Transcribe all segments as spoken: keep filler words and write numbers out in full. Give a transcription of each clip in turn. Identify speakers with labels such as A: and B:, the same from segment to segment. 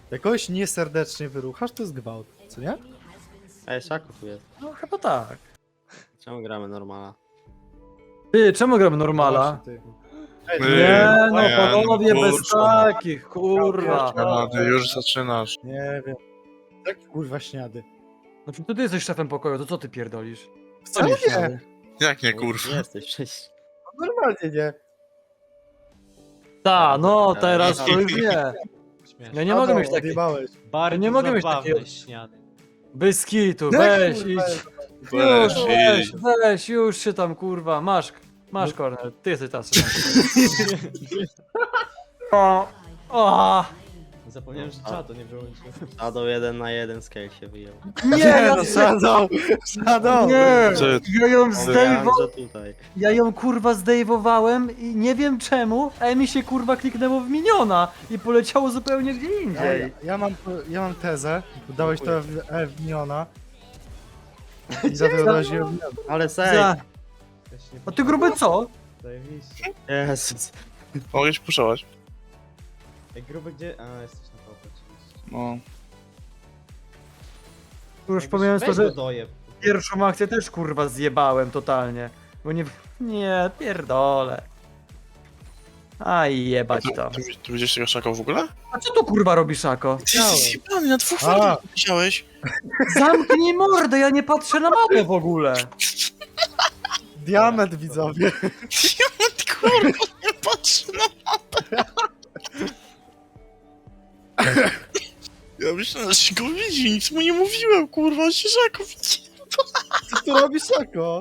A: Jakoś nieserdecznie wyruchasz, to jest gwałt, co nie?
B: Ej, Szaku tu jest.
C: No chyba tak.
B: Czemu gramy normala?
C: Ty, czemu gramy normala?
A: Właśnie, ty. Ej,
C: Nie no,
D: nie,
C: panowie,
D: no,
C: bez
D: kurwa.
C: takich, kurwa.
D: A, ty już zaczynasz.
A: Nie wiem. Jaki kurwa śniady?
C: No to ty jesteś szefem pokoju, to co ty pierdolisz?
A: Wcale
C: nie
A: nie.
C: śmiały.
D: Jak nie,
B: Nie
D: kurwa?
B: jesteś przecież.
A: Normalnie nie.
C: Ta, no teraz to już nie. Ja nie mogę
A: Adam,
C: mieć takich.
A: odjebałeś.
E: Bardzo
C: nie mogę mieć
E: zabawne
C: takiego-
E: śniady.
C: Bez kitu,
A: Nie,
C: weź,
A: kurwa,
C: idź.
D: Weź,
C: Już, weź,
D: idź.
C: weź, już się tam kurwa, masz, masz kornel, ty jesteś teraz. O, o,
E: Zapomniałem, że czatu nie wyłączyłem.
B: Shadow jeden na jeden scale się wyjął.
C: nie,
A: Nie,
C: ja
A: no Shadow! Shadow!
C: nie,
D: Ty-
C: ja ją
B: Mówiłem,
C: zdejmowałem,
B: że tutaj.
C: ja ją kurwa zdejmowałem i nie wiem czemu, a mi się kurwa kliknęło w miniona i poleciało zupełnie gdzie
A: Ja,
C: indziej.
A: ja, mam, ja mam tezę, dałeś to w E w miniona i za to odraziłem miniona.
B: Ale sej!
C: Za... A ty gruby co?
E: Zajebiście.
B: Jezus.
D: Mogę ci puszować.
E: Ej, gruby gdzie? A, jesteś na topie oczywiście.
D: No.
C: Już pomijając to,
E: Weź
C: że
E: go dojeb.
C: pierwszą akcję też kurwa zjebałem totalnie. Bo nie... Nie, pierdolę. Aj, jebać to.
D: Ty, ty widziałeś tego szaka w ogóle?
C: A co tu kurwa robi Szako?
D: Ty jesteś jebany, na dwóch
A: A.
D: farmach widziałeś.
C: Zamknij mordę, ja nie patrzę na mapę w ogóle.
A: Diament, widzowie.
D: Ty kurwa, nie patrzę na mapę. Ja myślałem, że się go widzi, nic mu nie mówiłem, kurwa, on się szako widzi.
A: Co tu robi Szako?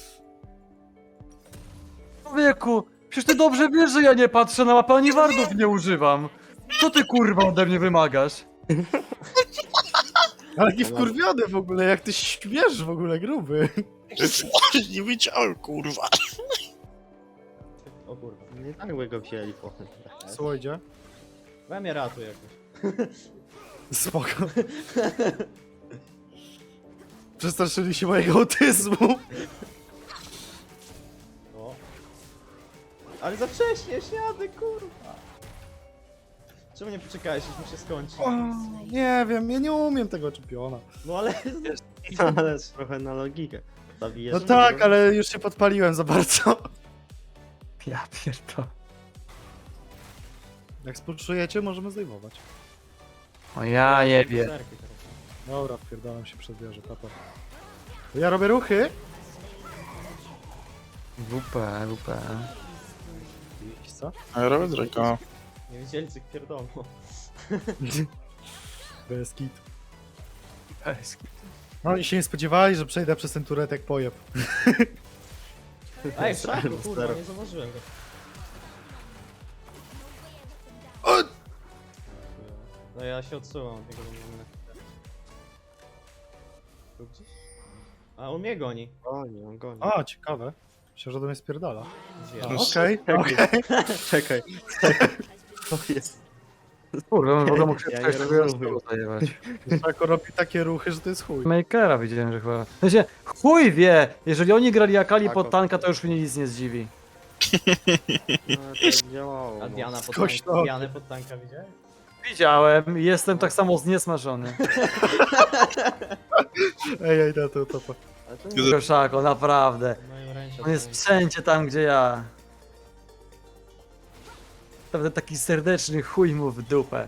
C: Człowieku, przecież ty dobrze wiesz, że ja nie patrzę na mapę, ani wardów nie używam. Co ty kurwa ode mnie wymagasz?
A: Ale jaki wkurwiony w ogóle, jak ty śmiesz w ogóle, gruby.
D: Nie wiedziałem, kurwa.
E: O kurwa.
B: Nie tak by go wzięli potem.
A: Słoidzie.
E: We mnie ratuj jakoś.
A: Spoko. Przestraszyli się mojego autyzmu.
E: O. Ale za wcześnie, śniady, kurwa. Czemu nie poczekałeś, aż mi się skończy?
A: O, nie wiem, ja nie umiem tego czempiona.
E: No ale...
B: Ale trochę na logikę. Zabijesz
A: No
B: mnie,
A: tak,
B: to-
A: ale już się podpaliłem za bardzo.
C: Ja pierdolę.
A: Jak spoczujecie, możemy zdejmować.
C: O ja jebie.
E: Serki teraz.
A: Dobra, wpierdalam się przed wieżę, papa. To ja robię ruchy.
C: W P, W P.
A: Widzisz co?
D: A ja robię Drake'a.
E: Nie wiedzieli, co pierdolą.
A: Bez kit. No i się nie spodziewali, że przejdę przez ten turet jak pojeb.
E: Ej, w szaku,
B: Stary,
E: kurwa,
B: stary.
E: nie zauważyłem go.
A: O!
E: No ja się odsuwam od niego, bo nie Tu gdzieś? A on mnie goni.
B: Goni, on goni.
A: A, ciekawe. Myślę, że do mnie spierdala.
E: Gdzie?
A: A,
D: No,
A: Okej, okej.
B: Czekaj. To jest.
C: Kurwa, w ogóle mógł się
B: Ja
C: coś
B: nie
C: takiego
B: rozumiem.
C: zajebać.
A: Szako robi takie ruchy, że to jest chuj.
C: Makera widziałem, że chyba. W sensie, chuj wie! Jeżeli oni grali Akali
B: Tak,
C: pod
B: o-
C: tanka, to już mnie nic nie zdziwi.
B: No to działało.
E: A
B: no.
E: Diana pod,
A: Skoś
E: tank,
A: to.
E: Dianę pod tanka widziałeś?
C: Widziałem i jestem tak samo zniesmażony.
A: Ej, ej, na to topa.
B: Ale to nie
C: Koszako, naprawdę.
E: Moim ręce.
C: On jest wszędzie tam, gdzie ja. Naprawdę taki serdeczny chuj mu w dupę.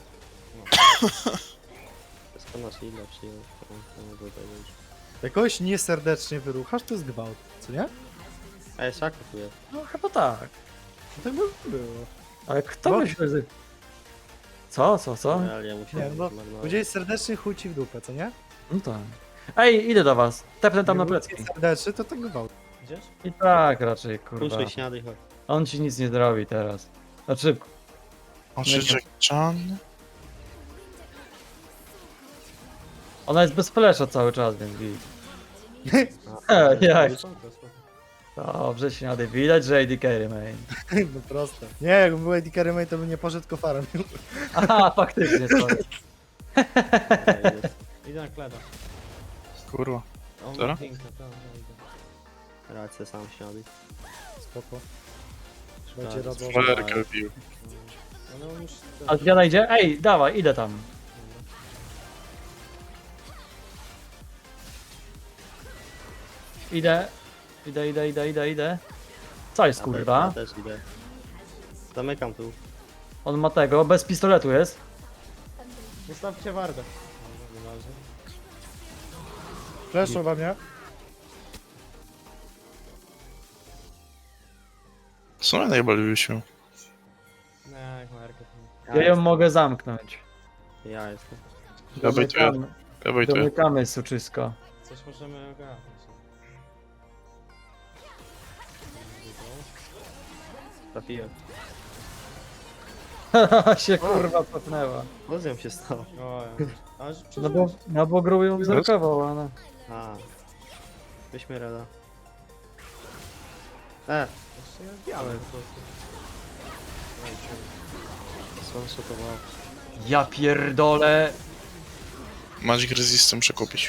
B: jest to nasz ile przyjął. to mogę powiedzieć.
A: Jakoś nieserdecznie wyruchasz, to jest gwałt, co nie?
B: Ej, Szaku tu jest.
C: No chyba tak.
A: No tak by było.
C: Ale kto
A: Bo-
C: myśli, że... Co, co, co?
B: Ale ja
A: Nie,
B: musiałem
A: no,
B: zmarnować.
A: powiedziałeś serdecznie chuj ci w dupę, co nie?
C: No tak. Ej, idę do was. Tepnę tam na
A: Jak
C: plecki.
A: był Serdeczny, to tak gwałt.
E: Gdzieś?
C: I tak raczej, kurwa.
B: Puszczaj śniady, chodź.
C: On ci nic nie zrobi teraz. Znaczy,
D: On się Jack Chan.
C: ona jest bez flesza cały czas, więc widz.
B: A,
C: E, jak?
E: Spoko, spoko.
C: Dobrze, śniady. Widać, że A D carry, man.
A: No proste. Nie, jakby był Eddie Carrymay, to by nie poszedł kofarem.
C: Aha, faktycznie, sorry.
B: Ej, jest.
E: Idę na kleda.
D: Kurwa.
E: On
D: Zero?
E: ma piękne, to ja idę.
B: Rację sam śniady.
A: Spoko. Trzeba
B: Tak,
A: cię radować.
D: Flerkę bił.
E: No, no on już...
C: A Diana idzie? Ej, dawaj, idę tam. Idę. Idę, idę, idę, idę, idę. Co jest
B: Ja
C: kurwa?
B: też, ja też idę. Zamykam tu.
C: On ma tego, bez pistoletu jest.
E: Zostawcie wardę. No, nie może.
A: Fleszą we mnie.
D: Co ja najbardziej się?
E: Nie, jak Markę.
C: Ja ją
B: jestem.
C: mogę zamknąć.
B: Ja jestem.
D: Ja bejtuję,
C: Domykamy,
D: ja bejtuję.
C: domykamy suczysko.
E: Coś możemy ogarnąć.
B: Trafiłem.
C: Haha, się kurwa cofnęła.
B: Co z nią się stało?
E: O, ja. Ale że
C: No bo, no bo grub ją zerkował, ale...
B: A. Weźmy rada. E,
E: Jeszcze jest białe po prostu.
B: słonshotował.
C: Ja pierdolę.
D: Magic Resistem przekupić.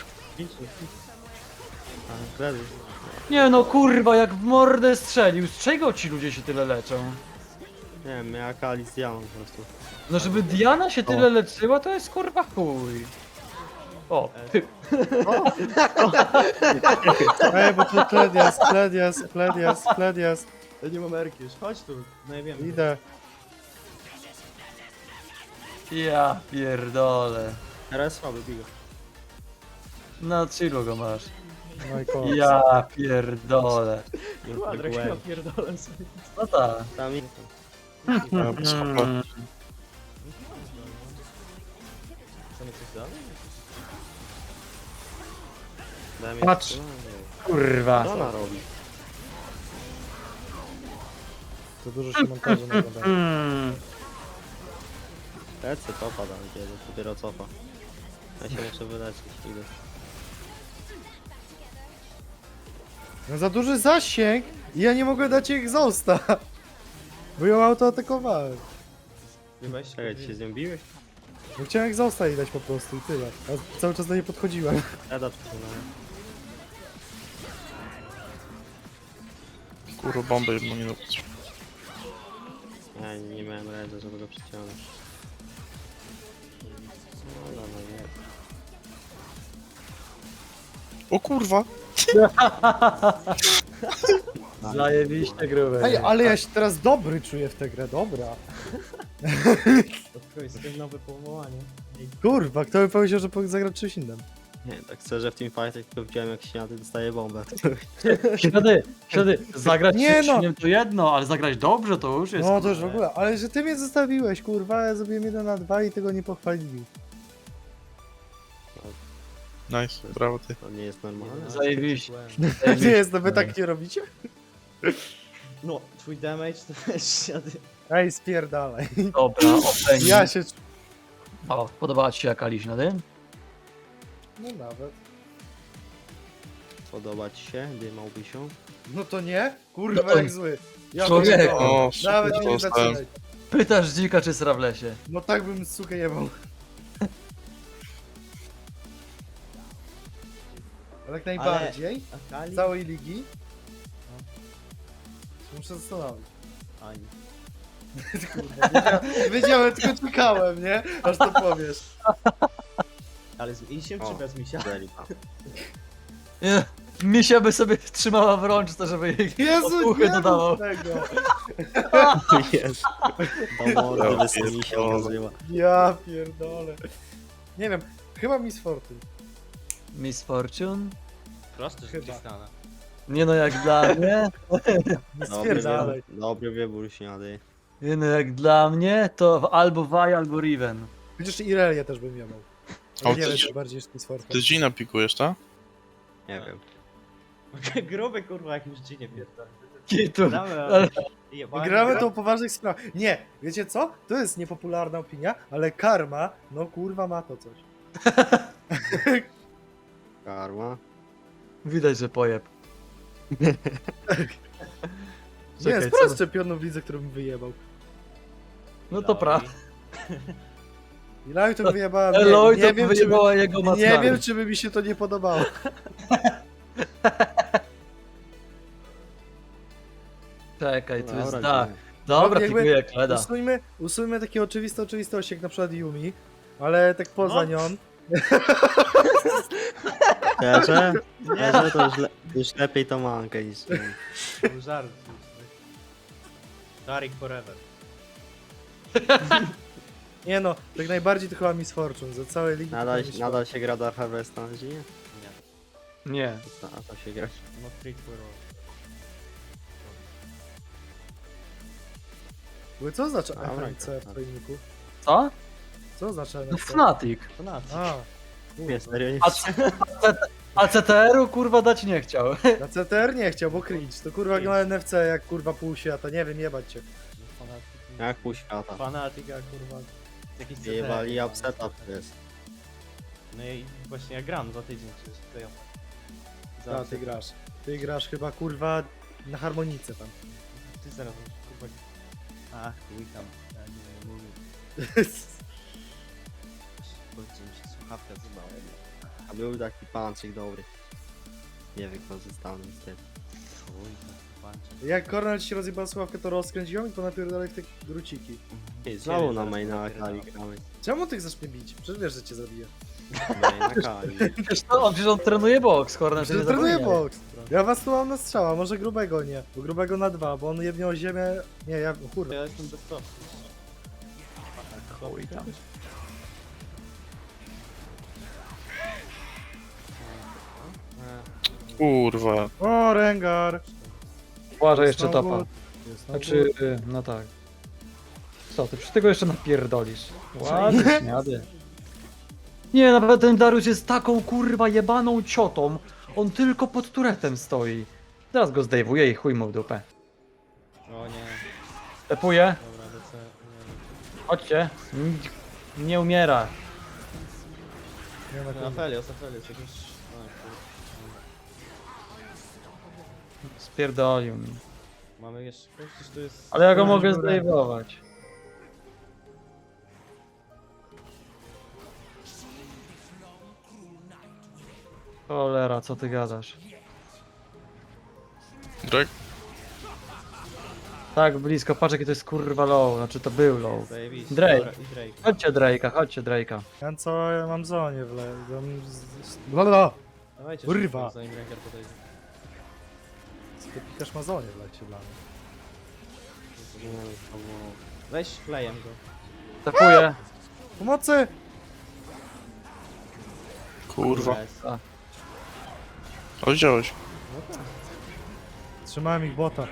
B: A, kredy.
C: Nie no kurwa, jak w mordę strzelił. Z czego ci ludzie się tyle leczą?
B: Nie wiem, miała Kali z Dianą po prostu.
C: No żeby Diana się tyle leczyła, to jest kurwa chuj. O, ty.
A: Ej, bo tu kled jest, kled jest, kled jest, kled jest.
E: Ja nie mam Erki już. Chodź tu. No i wiem.
A: Idę.
C: Ja pierdolę.
B: Teraz słaby, bigo.
C: Na chillu go masz.
A: No i koniec.
C: Ja pierdolę.
E: Kwadrak ja pierdolę sobie.
C: No tak.
B: Tam i...
D: Ja bez hopa.
C: Mm.
E: Co mi coś dalej?
B: Daj mi
C: Patrz.
B: jeszcze-
C: Kurwa.
B: Co ona robi?
A: To dużo się montażu nakłada.
C: Mm.
B: Lecę topa tam kiedy, dopiero cofa. Ja się muszę wyleczyć, idę.
A: No za duży zasięg i ja nie mogę dać jej egzausta. Bo ją autoatakowałem.
E: Nie weź się
B: Czekaj, ty się z nią biłeś?
A: No chciałem egzausta jej dać po prostu i tyle. A cały czas do niej podchodziłem.
B: Eda przesunąłem.
D: Kurwa, bombę jedną nie dopuść.
B: Ja nie miałem rady, żeby go przyciągnąć. No dobra, nie.
D: O kurwa!
C: Zajebiście gruby.
A: Ej, ale ja się teraz dobry czuję w tę grę, dobra.
E: Od jest ten nowe powołanie.
A: Kurwa, kto by powiedział, że powinien zagrać czymś innym?
B: Nie, tak szczerze w Teamfightie tylko widziałem jak śniady dostaje bombę.
C: Ślady, ślady. Zagrać
A: Nie
C: nie,
A: no.
C: no. to jedno, ale zagrać dobrze to już jest.
A: No to już w
C: kurde.
A: ogóle, ale że ty mnie zostawiłeś, kurwa, ja zrobiłem jeden na dwa i tego nie pochwalili.
D: Nice, brawo ty.
B: To nie jest normalne.
C: Zajebiście.
A: Nie jest, no wy tak nie robicie?
E: No, twój damage to jest śniady.
A: Ej, spierdalaj.
C: Dobra, ocenię.
A: Ja się...
C: O, podobała ci się jaka ślady?
A: No nawet.
B: Podoba ci się, dymałby się?
A: No to nie? Kurwa,
C: No to-
A: jak zły. Ja
C: Człowieku.
A: pierdolę.
D: O,
A: Nawet
D: super,
A: nie
D: dostałem.
A: zaczynaj.
C: Pytasz dzika czy sra w lesie?
A: No tak bym sukę jebał. Ale jak najbardziej,
E: A Kali?
A: z całej ligi. No. Muszę zastanowić.
E: Ani.
A: Kurwa, wiedziałem, wiedziałem, tylko czekałem, nie? Aż to powiesz.
E: Ale z Isiem
B: O.
E: czy bez Misia?
B: Zelipa.
C: Nie, Misia by sobie trzymała w rączce, żeby jej
A: Jezu,
C: opuchy
A: nie
C: dodawał.
A: mów tego.
B: Jest. Do mordy
D: Ja
B: wysymi się
D: pierdolę.
B: okazywa.
A: Ja pierdolę. Nie wiem, chyba Miss Fortune.
C: Miss Fortune?
E: Proste, że
A: Chyba.
E: Tristana.
C: Nie no, jak dla mnie,
B: Dobry
A: Spierdalaj.
B: wybór, dobry wybór śniady.
C: nie no, jak dla mnie, to albo Vi, albo Riven.
A: Chociaż Irelię też bym jebał.
D: O,
A: Ale nie
D: ty-
A: wiem, czy bardziej niż Miss Fortune.
D: Ty Gina pikujesz, tak?
B: Nie wiem.
E: Gruby kurwa jakimś dzinie pierdolę.
C: Kitu.
E: Gramy,
C: Ale-
E: jebany
A: Gramy
E: gra-
A: to o poważnych sprawach. Nie, wiecie co? To jest niepopularna opinia, ale karma, no kurwa ma to coś.
B: Karma.
C: Widać, że pojeb.
A: Nie,
C: Czekaj,
A: sprawdź
C: co?
A: czempionów w lidze, który bym wyjebał.
C: No to prawda.
A: Ilaju to wyjebałem,
C: Eloy
A: nie,
C: to
A: nie, wiem, czy by,
C: wyjebała jego
A: nie
C: matkami.
A: wiem, czy by mi się to nie podobało.
C: Czekaj, tu jest
B: Dobra,
C: dach.
B: dziękuję.
C: Dobra,
A: Jakby-
C: pikuję Kleda.
A: Usuńmy, usuńmy takie oczywiste oczywistości, jak na przykład Yumi, ale tak poza
B: No.
A: nią,
B: Szczerze? Szczerze to już, le już lepiej to mankę niż...
E: To był żart. Tarik forever.
A: Nie no, tak najbardziej to chyba Miss Fortune, za całe ligi to
B: Nadal,
A: chyba Miss
B: nadal się gra do Harvesta na dzień?
E: Nie.
C: Nie.
B: A to się gra.
E: No freak for all.
A: Fortune. Co oznacza
B: A,
A: F
B: tak,
A: N C w
B: tak.
A: twoim niku?
C: Co?
A: Co oznacza
C: No
A: F N C?
C: Fnatic.
E: To na co?
A: A,
B: Nie, serio nie
C: A, c- a C T R-u kurwa dać nie chciał.
A: na C T R nie chciał, bo cringe. To kurwa gra N F C jak kurwa pół świata, nie wiem, jebać cię.
E: Fanatyk.
B: Jak pół świata.
E: Fanatyka, kurwa. Jakiś C T R,
B: Jebali
E: kurwa.
B: upseta jest.
E: No i właśnie ja gram za tydzień przecież. To ja. Za
A: Tak, ty
E: upseta.
A: grasz. Ty grasz chyba kurwa na harmonice tam.
E: Ty zaraz kurwa. Ach, chuj tam. Ja nie mówię. Chodźcie, mi się słuchawka zjebała.
B: A był taki pancik dobry. Niewykorzystany niestety.
E: Chuj tam, patrzę.
A: Jak Kornel ci się rozjebał słuchawkę, to rozkręć ją i ponapierdalaj w te druciki.
B: Ty, znowu na maina Akali gramy.
A: Czemu ty chcesz mnie bić? Przecież wiesz, że cię zabiję.
B: Main Akali.
C: Wiesz co, on, przecież on trenuje boks, Horner się nie
A: Że trenuję
C: zapomniał.
A: boks. Ja was tu mam na strzała, może grubego nie. Bo grubego na dwa, bo on jebnie o ziemię. Nie, ja kurwa.
E: Ja jestem bez stopy.
C: Chuj tam.
D: Kurwa.
A: O, Rengar!
C: Uważaj jeszcze
A: Znowu-
C: topa.
A: Jest
C: Znaczy, y, no tak. Co, ty przy tego jeszcze napierdolisz. Ładnie, śniady. Nie, nawet ten Darius jest taką kurwa jebaną ciotą. On tylko pod turetem stoi. Teraz go zdejmuje i chuj mu w dupę.
E: O nie,
C: Stepuje.
E: dobra, lecę. Nie,
C: Chodźcie. N- Nie umiera.
A: Nie ma
E: no,
A: kurwa.
E: Aphelios, Aphelios, jakiś... A, kurwa.
C: Spierdolił mi.
E: Mamy jeszcze... Przecież tu jest...
C: Ale ja go
A: Kurwa,
C: mogę
A: dobra.
C: zdejmować. Cholera, co ty gadasz?
D: Drake?
C: Tak blisko, patrz jaki to jest kurwa low, znaczy to był low.
E: Zajebiście.
C: Drake.
E: Dobra, i Drake.
C: Chodźcie Drake'a, chodźcie Drake'a.
A: Ja co, ja mam zonie w le... tam z- z- Blablabla!
E: Dawajcie
A: Kurwa.
E: szybko, zanim Rengar podejdzie.
A: Sklepikarz ma zonie w lecie dla mnie.
E: Weź klejem go.
C: Tapuję.
A: Pomocy!
D: Kurwa.
E: Jest.
D: Ale widziałeś.
E: No tak.
A: Trzymałem ich bota.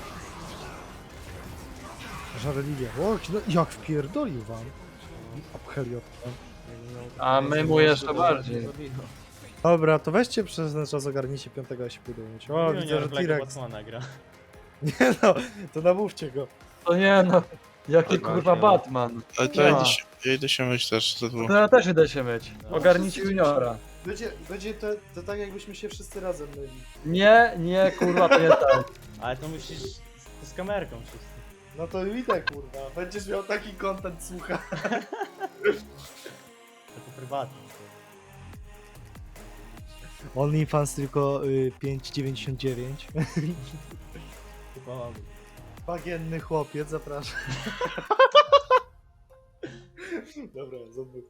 A: Żarliwie. O, no jak wpierdolił wam. Obcheli od tam.
C: A my mu jeszcze bardziej.
A: Dobra, to weźcie przez ten czas ogarnijcie piątego, a się budujecie. O, widzę, że T-Rex.
E: Batmana gra.
A: Nie no, to namówcie go.
C: To nie no, jaki
B: Dobra,
C: kurwa
B: się-
C: Batman.
D: Ale to ja
C: Ja.
D: idę się, ja idę się myć też za dwóch.
C: To ja też idę się myć. Ogarnijcie juniora.
A: Będzie, będzie to, to tak jakbyśmy się wszyscy razem myli.
C: Nie, nie, kurwa, to nie tak.
E: Ale to musisz z, z kamerką wszyscy.
A: No to idę kurwa, będziesz miał taki content, słucha.
E: To prywatnie.
A: OnlyFans tylko y, pięć dziewięćdziesiąt dziewięć.
E: Chyba mamy.
A: Bagienny chłopiec, zapraszam. Dobra, zobacz.